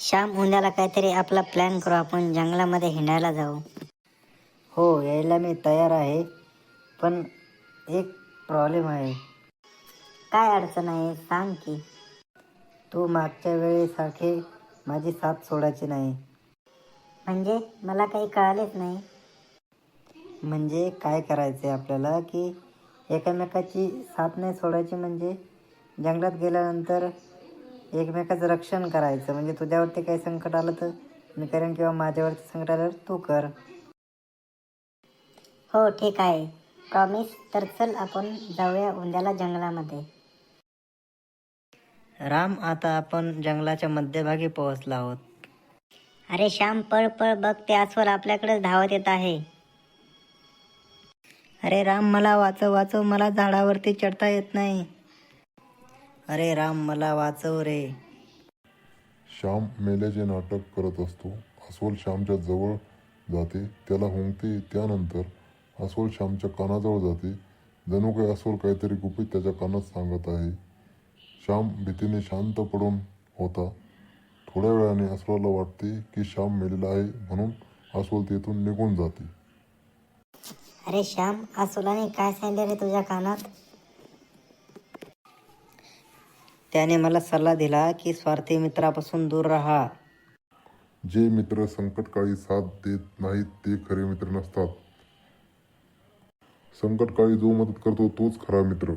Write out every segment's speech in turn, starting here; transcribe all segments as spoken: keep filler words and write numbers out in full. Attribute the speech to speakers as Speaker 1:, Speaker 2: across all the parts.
Speaker 1: श्याम, उद्याला काहीतरी आपला प्लॅन करू, आपण जंगलामध्ये हिंडायला जाऊ.
Speaker 2: हो, यायला मी तयार आहे, पण एक प्रॉब्लेम आहे.
Speaker 1: काय अडचण आहे सांग की.
Speaker 2: तू मागच्या वेळेसारखे माझी साथ सोडायची नाही.
Speaker 1: म्हणजे मला काही कळालेच नाही.
Speaker 2: म्हणजे काय करायचं आहे आपल्याला की एकमेकाची साथ नाही सोडायची, म्हणजे जंगलात गेल्यानंतर एकमेकाचं रक्षण करायचं. म्हणजे तुझ्यावरती काही संकट आलं तर मी करेन, किंवा माझ्यावरती संकट आलं तर तू कर.
Speaker 1: हो ठीक आहे, प्रॉमिस. तर चल आपण जाऊया उद्याला जंगलामध्ये.
Speaker 2: राम, आता आपण जंगलाच्या मध्यभागी पोहोचलो आहोत.
Speaker 1: अरे श्याम, पळ पळ, बघ ते अस्वल आपल्याकडे धावत येत आहे.
Speaker 2: अरे राम, मला वाचव वाचव, मला झाडावरती चढता येत नाही. अरे राम, मला वाचव रे.
Speaker 3: श्याम मेल्याचे नाटक करत असतो. अस्वल श्यामच्या जवळ जाते, त्याला हुंकते. त्यानंतर अस्वल श्यामच्या कानाजवळ जाते. जणू काही अस्वल काहीतरी गुपित त्याच्या कानात सांगत आहे. श्याम भीतीने शांत पडून होता. थोड्या वेळाने अस्वलाला वाटते की श्याम मेलेला आहे, म्हणून अस्वल तेथून निघून जाते.
Speaker 1: अरे श्याम, अस्वलाने काय सांगितले रे तुझ्या कानात?
Speaker 2: त्याने मला सल्ला दिला की स्वार्थी मित्रापासून दूर राहा.
Speaker 3: जे मित्र संकटकाळी साथ देत नाहीत ते खरे मित्र नसतात. संकटकाळी जो मदत करतो तोच खरा मित्र.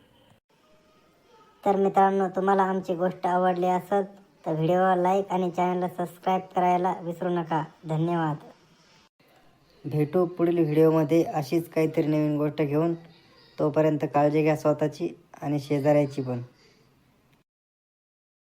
Speaker 1: तर मित्रांनो, तुम्हाला आमची गोष्ट आवडली असेल तर व्हिडिओला लाईक आणि चॅनलला सबस्क्राईब करायला विसरू नका. धन्यवाद.
Speaker 2: भेटू पुढील व्हिडिओमध्ये अशीच काहीतरी नवीन गोष्ट घेऊन. तोपर्यंत काळजी घ्या स्वतःची आणि शेजाऱ्याची पण.